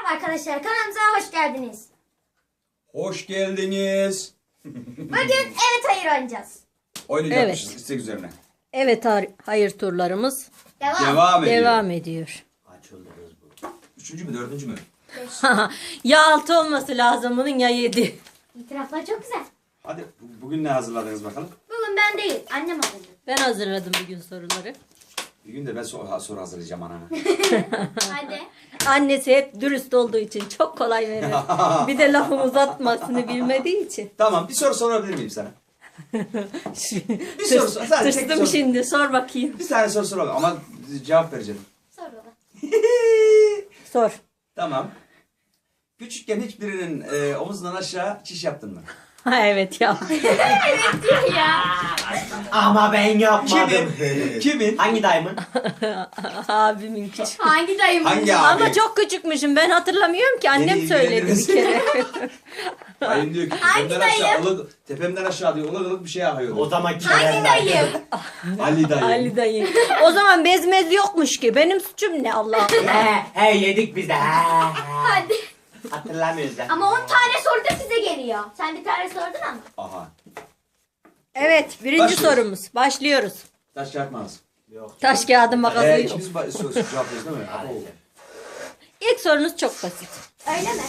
Merhaba arkadaşlar, kanalımıza hoş geldiniz. Hoş geldiniz. Bugün evet hayır oynayacağız. Oynayacakmışız Evet. istek üzerine. Evet, hayır turlarımız Devam ediyor. ediyor. Açıldı kız bu. Üçüncü mü dördüncü mü? Ya 6 olması lazım bunun ya 7. İtiraflar çok güzel. Hadi bugün ne hazırladınız bakalım. Bugün ben değil, annem hazırladı. Ben hazırladım bugün soruları. Bir gün de ben soru hazırlayacağım anana. Hadi. Annesi hep dürüst olduğu için çok kolay verir. Bir de lafımı uzatmasını bilmediği için. Tamam bir soru sorabilir miyim sana? Bir soru sor. Sadece tek Tırstım soru. şimdi, sor bakayım. Bir tane soru soralım ama cevap vereceğim. Sor baba. Sor. Tamam. Küçükken hiçbirinin omuzundan aşağı çiş yaptın mı? Ha evet ya. Ya. Ama ben yapmadım. Kimin? Hangi dayımın? Abimin küçük. Hangi dayım? Hangi abi? Ama çok küçükmüşüm, ben hatırlamıyorum ki, annem Beni söyledi bir ilgilendirmez. kere. Dayım diyor ki Hangi tepemden aşağı, dayım? tepemden aşağı diyor ılık ılık bir şey akıyor. O zaman Hangi dayım? Ali dayım. Ali dayı. O zaman bezmez yokmuş ki, benim suçum ne Allah. He yedik biz de. Hadi. Hatırlamıyoruz ya. Ama 10 tane soru da size geliyor. Sen bir tane sordun ama. Aha. Evet, birinci Başlıyoruz. sorumuz. Başlıyoruz. Taş kağıt makas. Yok. Taş kağıdı makası yok. İkimiz cevaplıyoruz değil mi? Maalesef. İlk sorunuz çok basit. Öyle mi?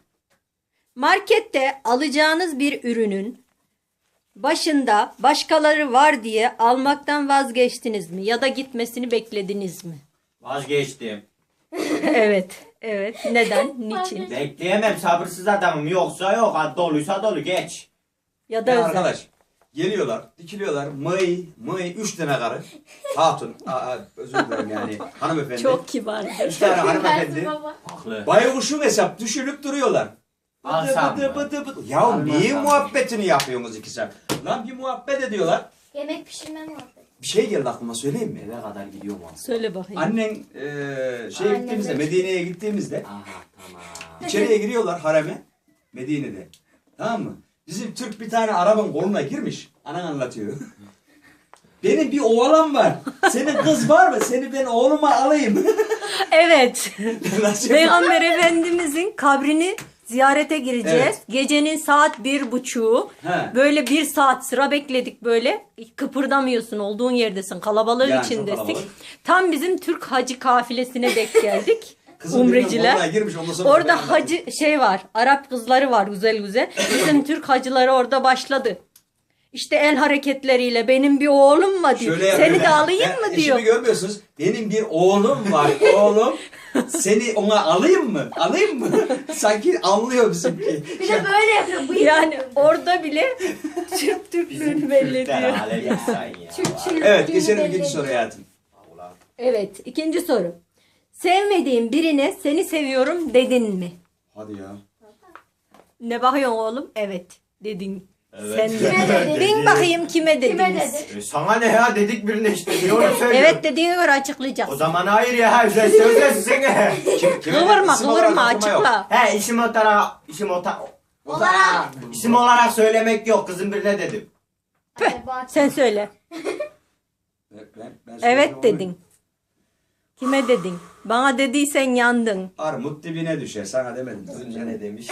Markette alacağınız bir ürünün başında başkaları var diye almaktan vazgeçtiniz mi? Ya da gitmesini beklediniz mi? Vazgeçtim. Evet. Evet. Neden? Niçin? Bekleyemem, sabırsız adamım. Yoksa yok, ha, doluysa dolu, geç. Ya da Ya özel. arkadaş geliyorlar, dikiliyorlar. Mıy, 3 tane karı. Hatun, özür dilerim yani hanımefendi. Çok kibardır. 3 tane Versin hanımefendi. baba. Haklı. Baykuşun hesap düşünüp duruyorlar. Alsam mı? Ya Almasam niye mı? muhabbetini yapıyorsunuz 2 saat? Lan bir muhabbet ediyorlar. Yemek pişirme muhabbeti. Bir şey geldi aklıma söyleyeyim mi? Eve kadar gidiyor mu? Söyle bakayım. Annen Annem gittiğimizde, de- Medine'ye gittiğimizde Aha tamam. içeriye giriyorlar hareme. Medine'de. Tamam mı? Bizim Türk bir tane Arap'ın koluna girmiş. Anan anlatıyor. Benim bir oğlan var. Senin kız var mı? Seni ben oğluma alayım. Evet. Nasıl Peygamber Efendimizin kabrini ziyarete gireceğiz. Evet. Gecenin saat 1:30. He. Böyle 1 saat sıra bekledik böyle. Kıpırdamıyorsun, olduğun yerdesin. Kalabalığın Yani çok içindesin. kalabalık. Tam bizim Türk hacı kafilesine denk geldik. Kızın birinin koluna Umreciler. girmiş, ondan sonra ben Orada anladım. hacı var. Arap kızları var güzel güzel. Bizim Türk hacıları orada başladı. İşte el hareketleriyle benim bir oğlum var diyor. Şöyle yapıyor. Seni de alayım mı diyor. Eşimi görmüyorsunuz. Benim bir oğlum var. Oğlum. Seni ona alayım mı? Alayım mı? Sanki anlıyor bizimki. Bir de böyle yapıyor. Bıyık Yani yapıyor. orada bile Türklüğünü belli Türkler ediyor. alem insan ya. Türkçülük Evet dini geçelim belli ikinci ediyor. soruya hayatım. Ulan. Evet, ikinci soru. Sevmediğin birine seni seviyorum dedin mi? Hadi ya. Ne bakıyorsun oğlum? Evet dedin. Evet. Sen Kime de. dedin? Bin bakayım kime Kime dediniz? dedi? Sana ne ya, dedik birine işte. Niye onu söylüyorsun? Evet dediğine göre O açıklayacağız. zaman hayır ya, özelsizsin. Kıvırma İsim olarak kıvırma okuma yok. açıkla. He Olarak. isim olarak söylemek yok, kızın birine dedim. Püh, sen söyle. Ben Evet söyleyeyim, dedin. Kime dedin? Bana dediysen yandın. Armut dibine düşer. Sana demedim. Önce ne demiş?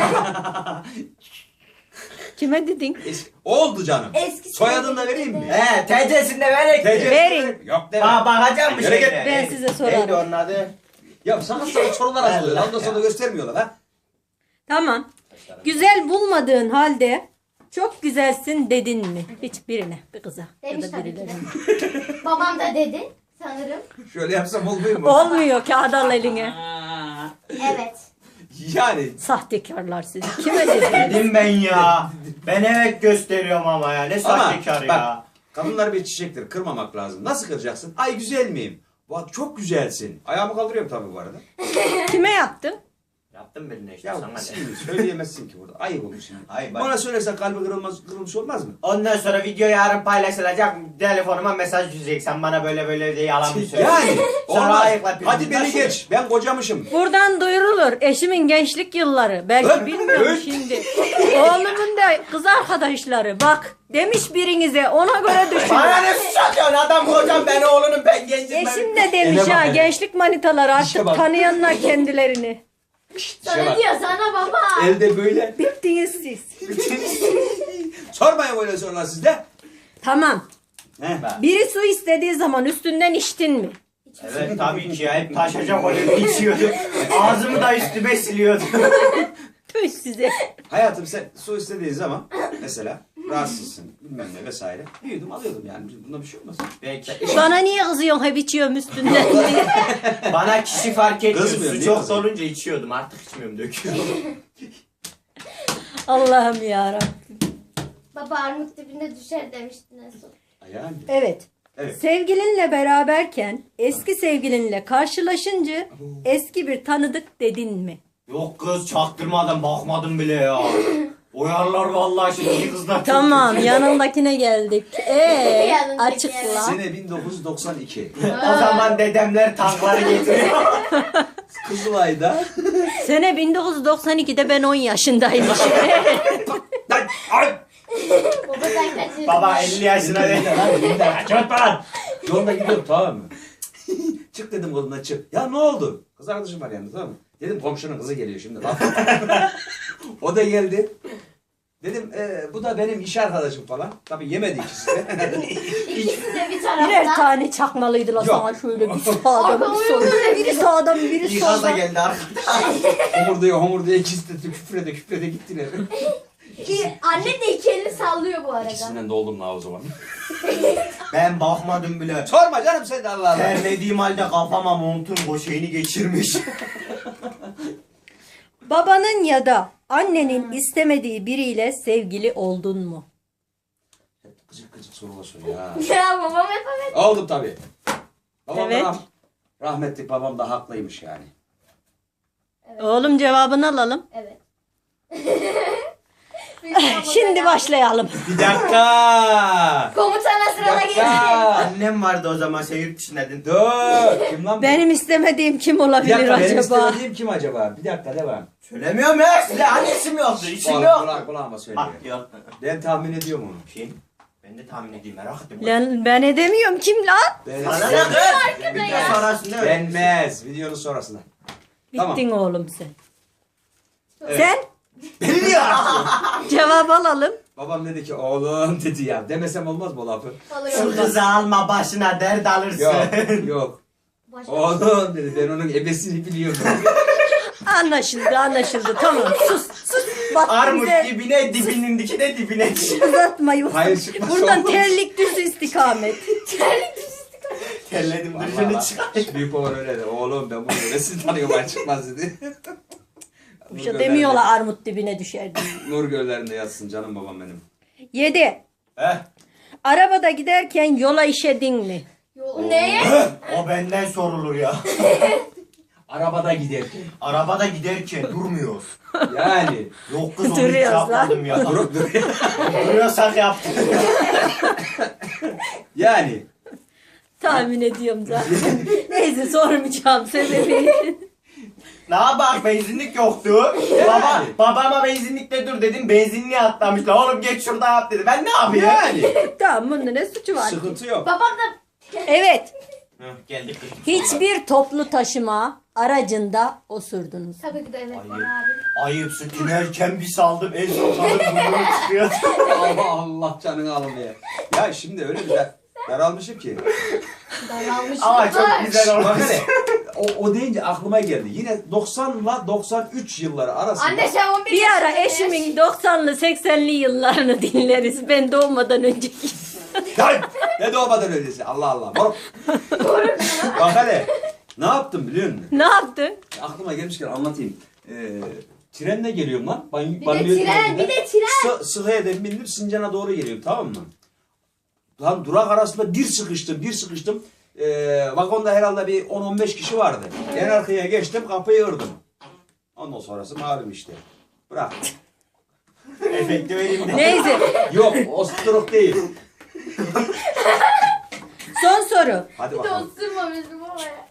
Kime dedin? Oldu canım. Eski Soyadını da vereyim mi? He, TC'sinde verek. TC Verin. Yok deme. Bakacağım mı Yürü git. şeyine? Ben size sorarım. Neydi onun adı? Ya sana sorular hazırlıyor. Ondan sonra göstermiyorlar ha. Tamam. Güzel bulmadığın halde çok güzelsin dedin mi? Hiçbirine. Bir kıza. Demiş ya da tabii ki de. birilerine. Babam da dedi sanırım. Şöyle yapsam olmuyor mu? Olmuyor kağıt al eline. Evet. Yani Sahtekarlar sizi. Kime dedin? Dedim ben ya. Ben evet gösteriyorum ama ya. Ne ama sahtekar bak ya. kadınlar bir çiçektir. Kırmamak lazım. Nasıl kıracaksın? Ay güzel miyim? Bak çok güzelsin. Ayağımı kaldırıyorum tabii bu arada. Kime yaptın? Yaptım birine işte, Ya sana ne? şimdi söyleyemezsin ki burada. Ayıp olur şimdi. Ay bak. Bana söylersen kalbi kırılmış olmaz mı? Ondan sonra video yarın paylaşılacak. Telefonuma mesaj düşecek. Sen bana böyle böyle diye yalan mı söylüyorsun? Yani Sonra olmaz. ayıkla. Hadi beni geç. Ben kocamışım. Buradan duyurulur. Eşimin gençlik yılları. Belki Öt, bilmiyorum öt. şimdi. Oğlumun da kız arkadaşları. Bak demiş birinize ona göre düşün. Bana ne suç atıyorsun? Adam kocam, ben oğlunum, ben gencim. Eşim de demiş Ele bak ha hele. gençlik manitaları İşe artık bak. tanıyanlar kendilerini. Sana bak. diyor sana baba. Elde böyle. Bittiniz siz. Sormayın böyle sorular sizde. Tamam. He. Biri su istediği zaman üstünden içtin mi? Evet tabii ki ya. Hep taşacak olup içiyordum. Ağzımı da üstüme siliyordum. Tüh size. Hayatım sen su istediğin zaman mesela rahatsızsın bilmem ne vesaire. Büyüdüm alıyordum yani. Bunda bir şey olmaz. Belki. Bana niye kızıyorsun hep içiyorum üstünden diye. Bana kişi fark etmiyor. Kızmıyor, Su niye çok kızıyor? dolunca içiyordum. Artık içmiyorum, döküyorum. Allah'ım yarabbim. Baba armut dibinde düşer demiştin en son. Yani. Evet. Evet. Sevgilinle beraberken eski sevgilinle karşılaşınca eski bir tanıdık dedin mi? Yok kız, çaktırmadan bakmadım bile ya. Uyarlar vallahi şimdi kızlar. çok Tamam, kötü. yanındakine geldik. Yanındaki, Açıkla. Sene 1992. O zaman dedemler tankları getiriyor. Kızılay'da. Sene 1992'de ben 10 yaşındaymışım. Ay! Baba sen kaçırdın. Baba 50 yaşına değil. Çöt lan. Yolda gidiyorum tamam mı? Çık dedim kolundan çık. Ya ne oldu? Kız arkadaşım var yanında tamam mı? Dedim komşunun kızı geliyor şimdi. O da geldi. Dedim bu da benim iş arkadaşım falan. Tabii yemedi ikisi de. İkisi de bir Birer tarafta. tane çakmalıydılar Yok. sana şöyle bir sağdan bir soldan. Biri sağdan biri İkaz da soldan. geldi arkadaşlar. homurduya ikisi de küfrede gittiler. Anne de iki elini sallıyor bu arada. İkisinden de oldum la o zaman. Ben bakmadım bile. Sorma canım sen de Allah Allah. Terlediğim halde kafama montun şeyini geçirmiş. Babanın ya da annenin istemediği biriyle sevgili oldun mu? Hep gıcık gıcık sorular soruyor ya. Ya babam yapamadı. Oldum tabii. Babam Evet. da rahmetli babam da haklıymış yani. Oğlum cevabını alalım. Evet. Şimdi başlayalım. Bir dakika. Komutana sırada geçti. Annem vardı o zaman, sen yurt dışındaydın. Dur. Kim lan bu? Benim istemediğim kim Bir olabilir dakika benim acaba? istemediğim kim acaba? Bir dakika devam. Söylemiyorum ya size. Annesim yoktu. İçim yok. Kulağıma söylüyor. Ah yok. Ben tahmin ediyorum onu. Kim? Ben de tahmin edeyim, merak ettim. Lan ben edemiyorum kim lan? Ben Sana ne kız? Bir de sonrasında öyle. Denmez. Videonun sonrasında. Tamam. Bittin oğlum sen. Evet. Sen Beni niye ararsın? cevap alalım. Babam dedi ki oğlum dedi ya. Demesem olmaz mı o lafı? Şu kızı alma başına, dert alırsın. Yok yok. Başka- Oğlum dedi ben onun ebesini biliyorum. Anlaşıldı tamam sus. Bak Armut bize dibine, dibinin dikine dibine. uzatma yok. Hayır, çıkmaz Buradan olmaz. terlik düz istikamet. Terledim, Vallahi dışını bak, çıkar. büyük baban öyle dedi. Oğlum ben bunu ebesini tanıyorum ben çıkmaz dedi. Bir şey demiyorlar armut dibine düşer diye. Nur göllerinde yatsın canım babam benim. 7. Heh. Arabada giderken yola işedin mi? Yol neye? O benden sorulur ya. Arabada giderken. Arabada giderken durmuyoruz. Yani. Yok kız, onu hiç Duruyoruz lan. yapmadım ya. Durup duruyor. Duruyorsak yaptık. Yani. Tahmin ediyorum zaten. Neyse sormayacağım sebebi. Ne yapar, benzinlik yoktu. Babama benzinlikte dur dedim, benzinliğe atlamışlar. Oğlum geç şurada yap dedi. Ben ne yapayım? Yani. Tamam bunda ne suçu var? Sıkıntı yok. Babam da Evet. Heh, geldik. Hiçbir toplu taşıma aracında osurdunuz. tabii ki de evet Ayıp. var abi. Ayıpsın, tünerken bir saldım, en son saldım, burnumu çıkıyor. Allah Allah canını almaya. Ya şimdi öyle bir daralmışım ki. Daralmış. Ama çok güzel olmuş. Bak hele. O deyince aklıma geldi. Yine 90 ile 93 yılları arasında. Anne sen 11 Bir ara yaşındasın. eşimin 90'lı 80'li yıllarını dinleriz. Ben doğmadan önceki. Lan! Ne doğmadan öyleyse. Allah Allah. Moruk. Bak hele. Ne yaptım biliyor musun? Ne yaptın? Aklıma gelmişken anlatayım. Trenle geliyorum lan. Bir de tren. Sıhhiye'den bindim Sincan'a doğru geliyorum tamam mı? Lan durak arasında bir sıkıştım. Vagonda herhalde bir 10-15 kişi vardı. En arkaya geçtim kapıyı ırdım. Ondan sonrası malum işte. Bırak. Efekti vereyim de. Neyse. Yok o stroke değil. Son soru. Hadi Bir de bakalım. osurma bizim babaya.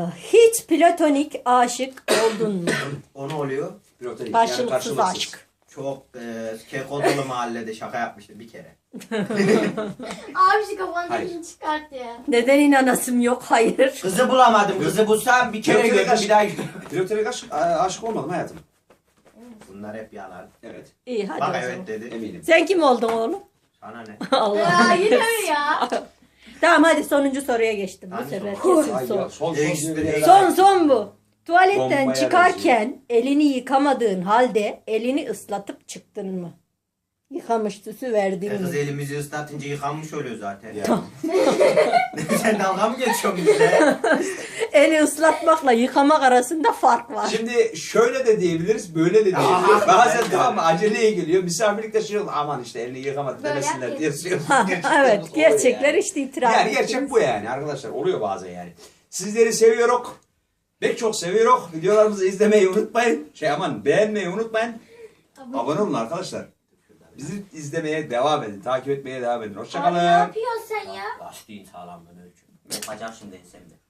Hiç platonik aşık oldun mu? O ne oluyor? Pilotelik, Karşılıksız karşılıksız. aşk. çok keko dolu mahallede şaka yapmıştım bir kere. Abi şu kafanı Hayır. dikini çıkart ya. Neden inanasım yok? Hayır. Kızı bulamadım. Kızı bulsam bir kere Direktöre gördüm bir daha gördüm. Direktöre aşık olmadım hayatım. Bunlar hep yalan. Evet. İyi hadi Bak o zaman. evet dedi. Eminim. Sen kim oldun oğlum? Sana ne? Allah. Ya yine mi ya? Tamam hadi sonuncu soruya geçtim. Bu Hangi sefer soru? kesin Ay son. ya, son Ekstra diye bir yere- Son bu. Tuvaletten Bombaya çıkarken elini yıkamadığın halde elini ıslatıp çıktın mı? Yıkamış süsü verdin Kız mi? elimizi ıslatınca yıkanmış oluyor zaten. Ya. Sen dalga mı geçiyorsun bizle? Eli ıslatmakla yıkamak arasında fark var. Şimdi şöyle de diyebiliriz, böyle de diyebiliriz. Bazen tamam mı, aceleye geliyor. Misafirlikte şey olur. Aman işte elini yıkamadı Böyle demesinler yap diye ki. söylüyoruz. Ha, Gerçekten evet oluyor gerçekler yani. işte itiraf Yani ettiniz. gerçek bu yani arkadaşlar. Oluyor bazen yani. Sizleri seviyoruz. Pek çok seviyoruz. Videolarımızı izlemeyi unutmayın. Beğenmeyi unutmayın. Abone olun arkadaşlar. Bizi izlemeye devam edin. Takip etmeye devam edin. Abi Hoşçakalın. ne yapıyorsun sen ya? Lastiğin sağlamlığını ölçün. Yapacağım şimdi ensemde.